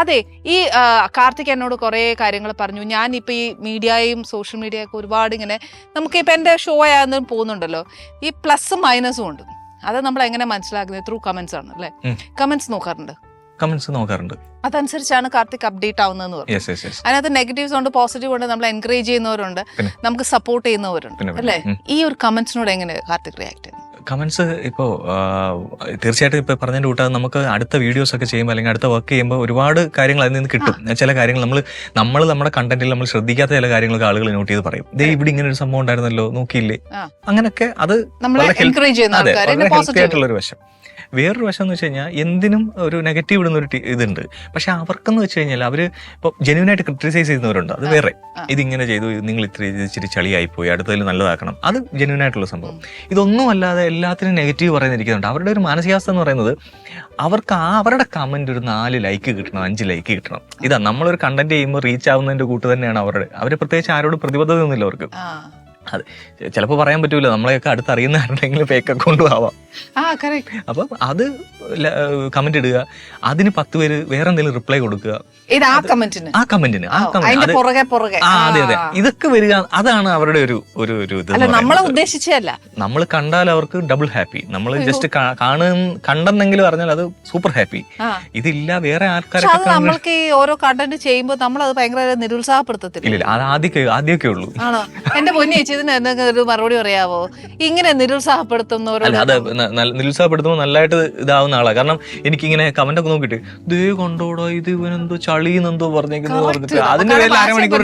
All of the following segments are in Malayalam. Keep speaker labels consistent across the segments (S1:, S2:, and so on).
S1: അതെ, ഈ കാർത്തിക് എന്നോട് കുറെ കാര്യങ്ങൾ പറഞ്ഞു. ഞാനിപ്പോ ഈ മീഡിയയും സോഷ്യൽ മീഡിയ ഒക്കെ ഒരുപാട് ഇങ്ങനെ നമുക്കിപ്പോ എന്റെ ഷോ ആയെന്നും പോകുന്നുണ്ടല്ലോ, ഈ പ്ലസും മൈനസും ഉണ്ട്. അത് നമ്മൾ എങ്ങനെ മനസ്സിലാക്കുന്നത്? ത്രൂ കമന്റ്സ് ആണ് അല്ലെ? കമന്റ്സ് നോക്കാറുണ്ട്. അതനുസരിച്ചാണ് കാർത്തിക് അപ്ഡേറ്റ് ആവുന്നതെന്ന് പറഞ്ഞു. അതിനകത്ത് നെഗറ്റീവ്സ് ഉണ്ട്, പോസിറ്റീവ് ഉണ്ട്, നമ്മൾ എൻകറേജ് ചെയ്യുന്നവരുണ്ട്, നമുക്ക് സപ്പോർട്ട് ചെയ്യുന്നവരുണ്ട് അല്ലെ? ഈ ഒരു കമന്റ്സിനോട് എങ്ങനെ കാർത്തിക് റിയാക്ട് ചെയ്യുന്നത്?
S2: കമന്റ്സ് ഇപ്പോൾ തീർച്ചയായിട്ടും ഇപ്പോൾ പറഞ്ഞതിൻ്റെ കൂട്ടാതെ നമുക്ക് അടുത്ത വീഡിയോസ് ഒക്കെ ചെയ്യുമ്പോൾ അല്ലെങ്കിൽ അടുത്ത വർക്ക് ചെയ്യുമ്പോൾ ഒരുപാട് കാര്യങ്ങൾ അതിൽ നിന്ന് കിട്ടും. ചില കാര്യങ്ങൾ നമ്മൾ നമ്മുടെ കണ്ടന്റിൽ നമ്മൾ ശ്രദ്ധിക്കാത്ത ചില കാര്യങ്ങളൊക്കെ ആളുകൾ നോട്ട് ചെയ്ത് പറയും. ദേ ഇവിടെ ഇങ്ങനെ ഒരു സംഭവം ഉണ്ടായിരുന്നല്ലോ, നോക്കിയില്ലേ, അങ്ങനെയൊക്കെ. അത് ഹെൽത്തി ആയിട്ടുള്ളൊരു വശം. വേറൊരു വശം എന്ന് വെച്ച് കഴിഞ്ഞാൽ എന്തിനും ഒരു നെഗറ്റീവ് ഇടുന്നൊരു ഇതുണ്ട്. പക്ഷെ അവർക്കെന്ന് വെച്ച് കഴിഞ്ഞാൽ അവർ ഇപ്പോൾ ജെന്യൂനായിട്ട് ക്രിട്ടിസൈസ് ചെയ്യുന്നവരുണ്ട്. അത് വേറെ. ഇതിങ്ങനെ ചെയ്തു, നിങ്ങൾ ഇച്ചിരി ചളിയായിപ്പോയി, അടുത്തതിൽ നല്ലതാക്കണം, അത് ജെന്യൂനായിട്ടുള്ള സംഭവം. ഇതൊന്നും അല്ലാതെ എല്ലാത്തിനും നെഗറ്റീവ് പറയുന്നിരിക്കുന്നുണ്ട്. അവരുടെ ഒരു മാനസികാവസ്ഥ എന്ന് പറയുന്നത് അവർക്ക് അവരുടെ കമന്റ് ഒരു 4 ലൈക്ക് കിട്ടണം, 5 ലൈക്ക് കിട്ടണം. ഇതാ നമ്മളൊരു കണ്ടന്റ് ചെയ്യുമ്പോൾ റീച്ച് ആവുന്നതിന്റെ കൂട്ട് തന്നെയാണ് അവർ പ്രത്യേകിച്ച് ആരോടും പ്രതിബദ്ധതയൊന്നുമില്ല അവർക്ക്. അതെ, ചിലപ്പോൾ പറയാൻ പറ്റൂല, നമ്മളെയൊക്കെ അടുത്തറിയുന്ന ആരുടെങ്കിലും ഫേക്ക് അക്കൗണ്ടും ആവാം. അപ്പം അത് കമന്റ് ഇടുക, അതിന് 10 പേര് വേറെ എന്തെങ്കിലും റിപ്ലൈ കൊടുക്കുക, ആ കമന്റിന് അതെ അതെ, ഇതൊക്കെ വരിക. അതാണ് അവരുടെ ഒരു ഇത്. നമ്മൾ കണ്ടാൽ അവർക്ക് ഡബിൾ ഹാപ്പി. നമ്മൾ ജസ്റ്റ് കണ്ടെന്നെങ്കിലും പറഞ്ഞാൽ അത് സൂപ്പർ ഹാപ്പി. ഇതില്ല വേറെ ആൾക്കാരൊക്കെ
S1: നമ്മൾക്ക് ഓരോ കണ്ടന്റ് ചെയ്യുമ്പോൾ നമ്മൾ അത് ഭയങ്കര നിരുത്സാഹപ്പെടുത്തത്തില്ല.
S2: ഇല്ല, അത് ആദ്യമൊക്കെ ഉള്ളൂ.
S1: എന്റെ പൊന്നി ചേച്ചി എന്തെങ്കിലും ഒരു മറുപടി പറയാവോ? ഇങ്ങനെ നിരുത്സാഹപ്പെടുത്തുന്നവരോട്
S2: അത് നിരുത്സാഹപ്പെടുത്തുമ്പോൾ നല്ലതായിട്ട് ഇതാവുന്ന ആളാണ്. കാരണം എനിക്കിങ്ങനെ കമന്റ് ഒക്കെ നോക്കിയിട്ട് ദേ കണ്ടോടോ ഇത് ഇവനെന്തോ ചളീന്നെന്തോ പറഞ്ഞേക്കുന്നു പറഞ്ഞിട്ട് അതിന്റെ പേരിൽ അരമണിക്കൂർ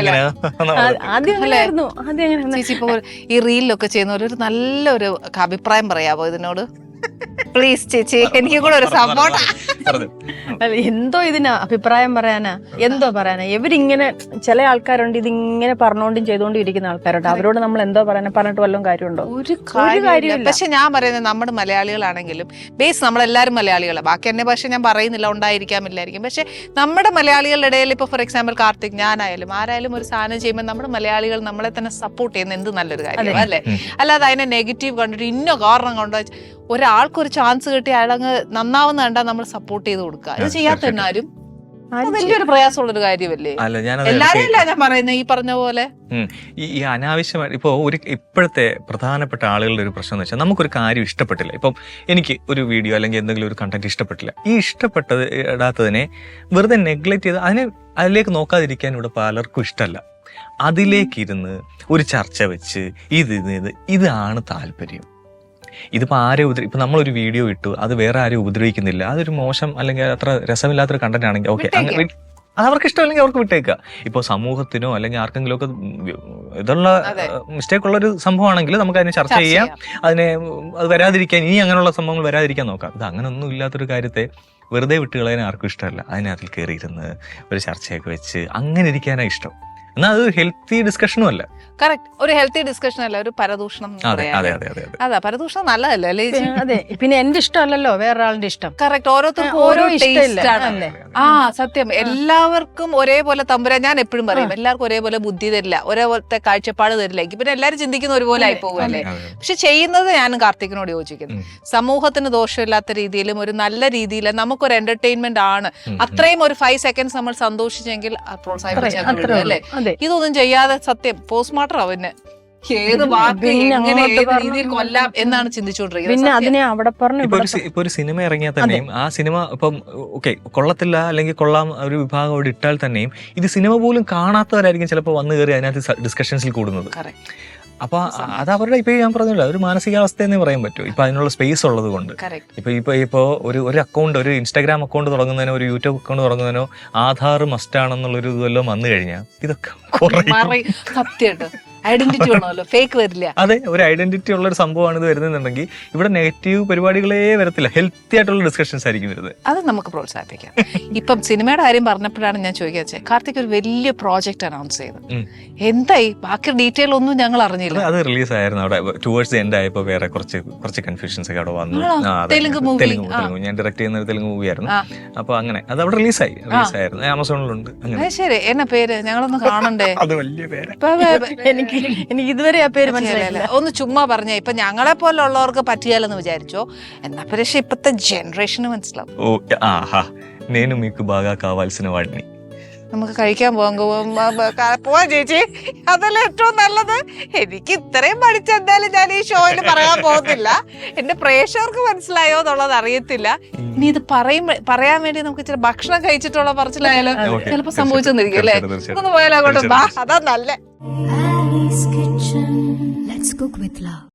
S1: ചേച്ചി ഇപ്പൊ ഈ റീലിലൊക്കെ ചെയ്യുന്നവർ ഒരു നല്ലൊരു അഭിപ്രായം പറയാവോ ഇതിനോട്? പ്ലീസ് ചേച്ചി, എനിക്ക് കൂടെ ഒരു സപ്പോർട്ട്.
S3: എന്തോ ഇതിന് അഭിപ്രായം പറയാനാ, എന്തോ പറയാനാ? ഇവരിങ്ങനെ ചില ആൾക്കാരുണ്ട് ഇതിങ്ങനെ പറഞ്ഞോണ്ടും ചെയ്തോണ്ടും ഇരിക്കുന്ന ആൾക്കാരുണ്ട്. അവരോട് നമ്മൾ എന്തോ പറയാനാ? പറഞ്ഞിട്ട് വല്ലതും കാര്യമുണ്ടോ?
S1: ഒരു കാര്യമില്ല. പക്ഷെ ഞാൻ പറയുന്നത് നമ്മുടെ മലയാളികളാണെങ്കിലും ബേസ് നമ്മളെല്ലാവരും മലയാളികളാണ്. ബാക്കി എന്നെ പക്ഷെ ഞാൻ പറയുന്നില്ല, ഉണ്ടായിരിക്കാമില്ലായിരിക്കും. പക്ഷെ നമ്മുടെ മലയാളികളുടെ ഇടയിൽ ഇപ്പൊ ഫോർ എക്സാമ്പിൾ കാർത്തിക്, ഞാനായാലും ആരായാലും ഒരു സാധനം ചെയ്യുമ്പോൾ നമ്മുടെ മലയാളികൾ നമ്മളെ തന്നെ സപ്പോർട്ട് ചെയ്യുന്ന എന്ത് നല്ലൊരു കാര്യം അല്ലേ? അല്ലാതെ അതിനെ നെഗറ്റീവ് കണ്ടിട്ട് ഇന്ന കാരണം കൊണ്ടോ ഒരാൾക്കൊരു ചാൻസ് കിട്ടി അയാളങ്ങ് നന്നാവുന്ന കണ്ടാൽ നമ്മൾ സപ്പോർട്ട് ചെയ്ത് കൊടുക്കുക. ഇത് ചെയ്യാത്ത തന്നെ ആരും വലിയൊരു പ്രയാസമുള്ളൊരു കാര്യമല്ലേ? എല്ലാരും അല്ല ഞാൻ പറയുന്നത്, ഈ പറഞ്ഞ പോലെ
S2: ഈ അനാവശ്യമായിട്ട് ഇപ്പോൾ ഇപ്പോഴത്തെ പ്രധാനപ്പെട്ട ആളുകളുടെ ഒരു പ്രശ്നം എന്ന് വെച്ചാൽ നമുക്കൊരു കാര്യം ഇഷ്ടപ്പെട്ടില്ല. ഇപ്പം എനിക്ക് ഒരു വീഡിയോ അല്ലെങ്കിൽ എന്തെങ്കിലും ഒരു കണ്ടന്റ് ഇഷ്ടപ്പെട്ടില്ല. ഈ ഇടാത്തതിനെ വെറുതെ നെഗ്ലക്ട് ചെയ്ത് അതിലേക്ക് നോക്കാതിരിക്കാൻ ഇവിടെ പലർക്കും ഇഷ്ടമല്ല. അതിലേക്കിരുന്ന് ഒരു ചർച്ച വെച്ച് ഇതാണ് താല്പര്യം. ഇതിപ്പോൾ ഇപ്പം നമ്മളൊരു വീഡിയോ ഇട്ടു, അത് വേറെ ആരും ഉപദ്രവിക്കുന്നില്ല, അതൊരു മോശം അല്ലെങ്കിൽ അത്ര രസമില്ലാത്തൊരു കണ്ടന്റ് ആണെങ്കിൽ ഓക്കെ, അത് അവർക്ക് ഇഷ്ടമല്ലെങ്കിൽ അവർക്ക് വിട്ടേക്കുക. ഇപ്പോൾ സമൂഹത്തിനോ അല്ലെങ്കിൽ ആർക്കെങ്കിലും ഒക്കെ ഇതുള്ള മിസ്റ്റേക്ക് ഉള്ളൊരു സംഭവമാണെങ്കിൽ നമുക്ക് അതിനെ ചർച്ച ചെയ്യാം, അത് വരാതിരിക്കാൻ, ഇനി അങ്ങനെയുള്ള സംഭവങ്ങൾ വരാതിരിക്കാൻ നോക്കാം. ഇത് അങ്ങനൊന്നും ഇല്ലാത്തൊരു കാര്യത്തെ വെറുതെ വിട്ടുകളയാൻ ആർക്കും ഇഷ്ടമല്ല. അതിനകത്തിൽ കയറിയിരുന്ന് ഒരു ചർച്ചയൊക്കെ വെച്ച് അങ്ങനെ ഇരിക്കാനാണ് ഇഷ്ടം. എന്നാൽ അത് ഹെൽത്തി ഡിസ്കഷനും അല്ല.
S1: കറക്റ്റ്, ഒരു ഹെൽത്തി ഡിസ്കഷൻ അല്ല, ഒരു പരദൂഷണം. അതാ പരദൂഷണം നല്ലതല്ലേ അല്ലേ?
S3: അതെ, പിന്നെ എന്റെ ഇഷ്ടമല്ലല്ലോ വേറൊരാളുടെ ഇഷ്ടം.
S1: കറക്റ്റ്, ഓരോരുത്തർക്കും ഓരോ ടേസ്റ്റ് ആണ്. സത്യം. എല്ലാവർക്കും ഒരേപോലെ തമ്പുരാൻ, ഞാൻ എപ്പോഴും പറയും, എല്ലാവർക്കും ഒരേപോലെ ബുദ്ധി തരില്ല, ഒരേപോലത്തെ കാഴ്ചപ്പാട് തരില്ല. പിന്നെ എല്ലാവരും ചിന്തിക്കുന്ന ഒരുപോലെ ആയി പോകുമല്ലേ? പക്ഷെ ചെയ്യുന്നത് ഞാനും കാർത്തികിനോട് യോജിക്കുന്നു. സമൂഹത്തിന് ദോഷമില്ലാത്ത രീതിയിലും ഒരു നല്ല രീതിയിലും നമുക്കൊരു എന്റർടൈൻമെന്റ് ആണ്. അത്രയും ഒരു 5 seconds നമ്മൾ സന്തോഷിച്ചെങ്കിൽ പ്രോത്സാഹിപ്പിച്ചു അല്ലേ? ഇതൊന്നും ചെയ്യാതെ സത്യം പോസ്റ്റ്മോർട്ടം അവന് ഏത് വാക്ക് എങ്ങനെ ഏത് രീതിയിൽ കൊല്ലാം എന്നാണ് ചിന്തിച്ചുകൊണ്ടിരിക്കുന്നത്.
S2: ഇപ്പൊ ഒരു സിനിമ ഇറങ്ങിയാൽ തന്നെയും ആ സിനിമ ഇപ്പം ഓക്കെ കൊള്ളത്തില്ല അല്ലെങ്കിൽ കൊള്ളാം ഒരു വിഭാഗം അവിടെ ഇട്ടാൽ തന്നെയും ഇത് സിനിമ പോലും കാണാത്തവരായിരിക്കും ചിലപ്പോൾ വന്നു കയറി അതിനകത്ത് ഡിസ്കഷൻസിൽ കൂടുന്നത്. അപ്പൊ അത് അവരുടെ ഇപ്പൊ ഞാൻ പറഞ്ഞില്ല, ഒരു മാനസികാവസ്ഥയെന്നേ പറയാൻ പറ്റും. ഇപ്പൊ അതിനുള്ള സ്പേസ് ഉള്ളത് കൊണ്ട്. ഇപ്പൊ ഒരു അക്കൗണ്ട്, ഒരു ഇൻസ്റ്റാഗ്രാം അക്കൗണ്ട് തുടങ്ങുന്നതിനോ ഒരു യൂട്യൂബ് അക്കൗണ്ട് തുടങ്ങുന്നതിനോ ആധാർ മസ്റ്റ് ആണെന്നുള്ളൊരു ഇതെല്ലാം വന്നു കഴിഞ്ഞാൽ ഇതൊക്കെ
S1: സത്യമായിട്ട് ഐഡന്റിറ്റി വേണമല്ലോ, ഫേക്ക് വരില്ല.
S2: അതെ, ഒരു ഐഡന്റിറ്റി ഉള്ള ഒരു സംഭവമാണ് ഇത് വരുന്നുണ്ടെങ്കിൽ ഇവിടെ നെഗറ്റീവ് പരിപാടികളേ വരത്തില്ല, ഹെൽത്തി ആയിട്ടുള്ള ഡിസ്കഷൻസ് ആയിരിക്കും വരുന്നത്.
S1: അത് നമുക്ക് പ്രോത്സാഹിപ്പിക്കാം. ഇപ്പം സിനിമയുടെ കാര്യം പറഞ്ഞപ്പോഴാണ് ഞാൻ ചോദിക്കുക, കാർത്തിക് ഒരു വലിയ പ്രോജക്ട് അനൗൺസ് ചെയ്തു, എന്തായി? ബാക്കി ഡീറ്റെയിൽ ഒന്നും ഞങ്ങൾ അറിഞ്ഞില്ല.
S2: അത് റിലീസ് ആയിരുന്നു. അവിടെ ടുവേർഡ്സ് എൻഡ് ആയപ്പോൾ വേറെ കുറച്ച് കൺഫ്യൂഷൻസ് ഒക്കെ അവിടെ വന്നു.
S1: തെലുങ്ക് മൂവി,
S2: ഞാൻ ഡയറക്ട് ചെയ്യുന്ന ഒരു തെലുങ്ക് മൂവി ആയിരുന്നു. അപ്പൊ അങ്ങനെ അത് അവിടെ റിലീസായിരുന്നു, ആമസോണിലുണ്ട്.
S1: ശരി, എന്നാ പേര്? ഞങ്ങളൊന്ന് കാണണ്ടേ?
S2: അത് വലിയ പേര്,
S3: എനിക്ക് ഇതുവരെ ആ പേര് മനസ്സിലായില്ല.
S1: ഒന്ന് ചുമ്മാ പറഞ്ഞേ. ഇപ്പൊ ഞങ്ങളെ പോലുള്ളവർക്ക് പറ്റിയാലെന്ന് വിചാരിച്ചോ? എന്നാ പക്ഷെ ഇപ്പത്തെ ജനറേഷന് മനസ്സിലാവും.
S2: నేను మీకు బాగా కావాల్సిన వాడిని.
S1: നമുക്ക് കഴിക്കാൻ പോവാൻ ചേച്ചി, അതല്ല ഏറ്റവും നല്ലത്. എനിക്ക് ഇത്രയും പഠിച്ചെന്തായാലും ഞാൻ ഈ ഷോയിൽ പറയാൻ പോകുന്നില്ല. എന്റെ പ്രേക്ഷകർക്ക് മനസ്സിലായോ എന്നുള്ളത് അറിയത്തില്ല. ഇനി ഇത് പറയാൻ വേണ്ടി നമുക്ക് ഇച്ചിരി ഭക്ഷണം കഴിച്ചിട്ടുള്ള പറച്ചിലായാലും ചിലപ്പോ സംഭവിച്ചെന്നിരിക്കും അല്ലേ? ഒന്ന് പോയാലോ അങ്ങോട്ട്, അതാ നല്ല.
S4: Ali's Kitchen. Let's cook with love.